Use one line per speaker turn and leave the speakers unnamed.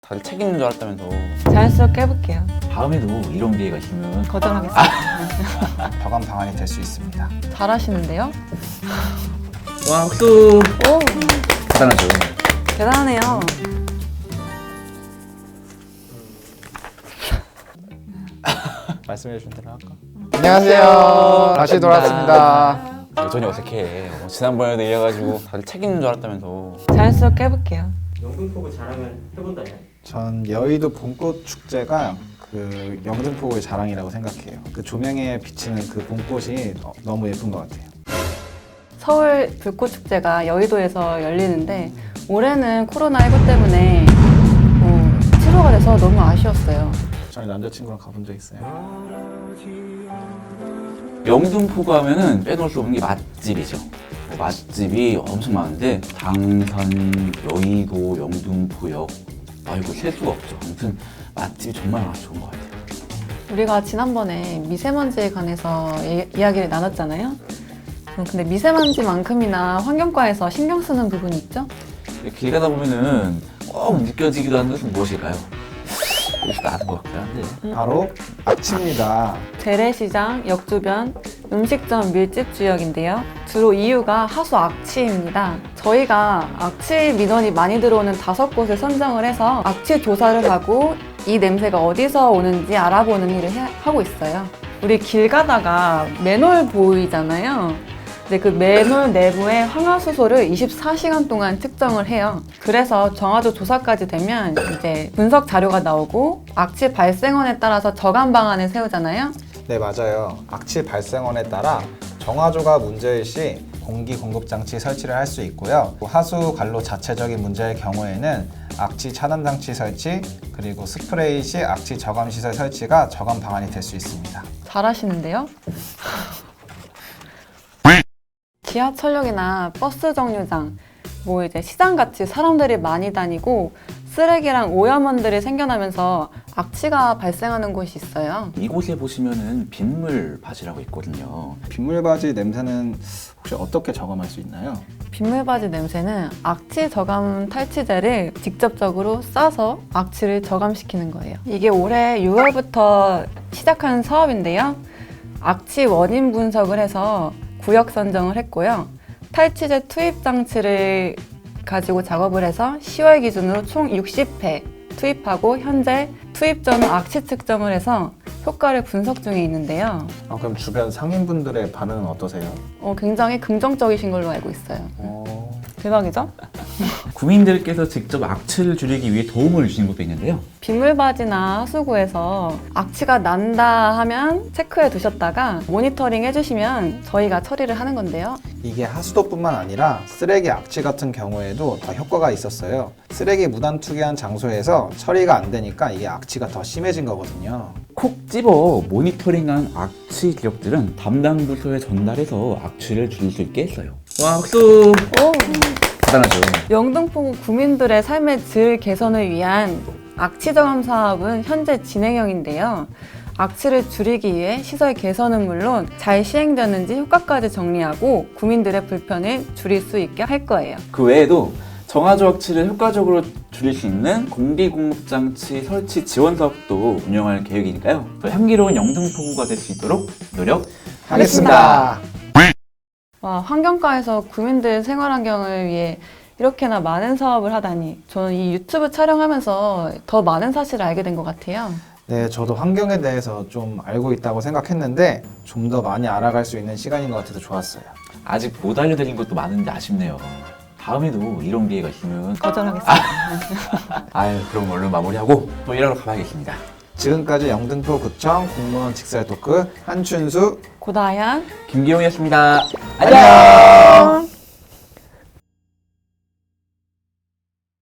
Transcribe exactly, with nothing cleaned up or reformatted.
다들 책 읽는 줄 알았다면서.
자연스럽게 해볼게요.
다음에도 이런 기회가 있으면
거절하겠습니다.
저감 방안이 될 수 있습니다.
잘하시는데요?
와 박수.
오,
대단하죠.
대단하네요.
말씀해 주신 대로 할까?
안녕하세요. 다시 돌아왔습니다.
여전히 어색해. 어, 지난번에도 이래가지고 다들 책 읽는 줄 알았다면서.
자연스럽게 해볼게요.
영등포구 자랑을 해본다면?
전 여의도 봄꽃 축제가 그 영등포구의 자랑이라고 생각해요. 그 조명에 비치는 그 봄꽃이 어, 너무 예쁜 것 같아요.
서울 불꽃축제가 여의도에서 열리는데 올해는 코로나십구 때문에 어, 취소가 돼서 너무 아쉬웠어요.
저희 남자친구랑 가본 적 있어요.
영등포구 하면은 빼놓을 수 없는 게 맛집이죠. 맛집이 엄청 많은데 당산, 여의도, 영등포역 아 이거 셀 수가 없죠. 아무튼 맛집이 정말 많아서 좋은 것 같아요.
우리가 지난번에 미세먼지에 관해서 이, 이야기를 나눴잖아요. 음, 근데 미세먼지만큼이나 환경과에서 신경 쓰는 부분이 있죠?
길 가다 보면은 꼭 느껴지기도 하는 것은 무엇일까요? 여기서 나는 것 같긴 한데.
바로 악취입니다.
재래시장, 역주변, 음식점 밀집 지역인데요. 주로 이유가 하수 악취입니다. 저희가 악취 민원이 많이 들어오는 다섯 곳을 선정을 해서 악취 조사를 하고 이 냄새가 어디서 오는지 알아보는 일을 해, 하고 있어요. 우리 길 가다가 맨홀 보이잖아요. 근데 그 맨홀 내부의 황화수소를 이십사 시간 동안 측정을 해요. 그래서 정화조 조사까지 되면 이제 분석 자료가 나오고 악취 발생원에 따라서 저감 방안을 세우잖아요.
네, 맞아요. 악취 발생원에 따라 정화조가 문제일 시 공기 공급 장치 설치를 할 수 있고요. 하수 관로 자체적인 문제의 경우에는 악취 차단 장치 설치, 그리고 스프레이 시 악취 저감 시설 설치가 저감 방안이 될 수 있습니다.
잘하시는데요? 지하철역이나 버스 정류장, 뭐 이제 시장같이 사람들이 많이 다니고 쓰레기랑 오염원들이 생겨나면서 악취가 발생하는 곳이 있어요.
이곳에 보시면은 빗물 바지라고 있거든요.
빗물바지 냄새는 혹시 어떻게 저감할 수 있나요?
빗물바지 냄새는 악취 저감 탈취제를 직접적으로 싸서 악취를 저감시키는 거예요. 이게 올해 유월부터 시작한 사업인데요. 악취 원인 분석을 해서 구역 선정을 했고요. 탈취제 투입 장치를 가지고 작업을 해서 시월 기준으로 총 육십 회 투입하고 현재 투입 전 악취 측정을 해서 효과를 분석 중에 있는데요.
아, 그럼 주변 상인분들의 반응은 어떠세요?
어, 굉장히 긍정적이신 걸로 알고 있어요.
어...
대박이죠?
구민들께서 직접 악취를 줄이기 위해 도움을 주신 것도 있는데요.
빗물바지나 하수구에서 악취가 난다 하면 체크해 두셨다가 모니터링 해주시면 저희가 처리를 하는 건데요.
이게 하수도뿐만 아니라 쓰레기 악취 같은 경우에도 다 효과가 있었어요. 쓰레기 무단 투기한 장소에서 처리가 안 되니까 이게 악취가 더 심해진 거거든요.
콕 집어 모니터링한 악취 기록들은 담당 부서에 전달해서 악취를 줄일 수 있게 했어요. 와 박수!
오,
대단하죠.
영등포구 구민들의 삶의 질 개선을 위한 악취 저감 사업은 현재 진행형인데요. 악취를 줄이기 위해 시설 개선은 물론 잘 시행되는지 효과까지 정리하고 구민들의 불편을 줄일 수 있게 할 거예요.
그 외에도 정화조 악취를 효과적으로 줄일 수 있는 공기공급장치 설치 지원 사업도 운영할 계획이니까요. 더 향기로운 영등포구가 될 수 있도록 노력하겠습니다.
와, 환경과에서 구민들 생활 환경을 위해 이렇게나 많은 사업을 하다니 저는 이 유튜브 촬영하면서 더 많은 사실을 알게 된 것 같아요.
네, 저도 환경에 대해서 좀 알고 있다고 생각했는데 좀 더 많이 알아갈 수 있는 시간인 것 같아서 좋았어요.
아직 못 알려드린 것도 많은데 아쉽네요. 다음에도 이런 기회가 있으면
거절하겠습니다.
아유 그럼 얼른 마무리하고 또 일하러 가봐야겠습니다.
지금까지 영등포구청 공무원 직설 토크 한춘수
고다연
김기용이었습니다.
안녕!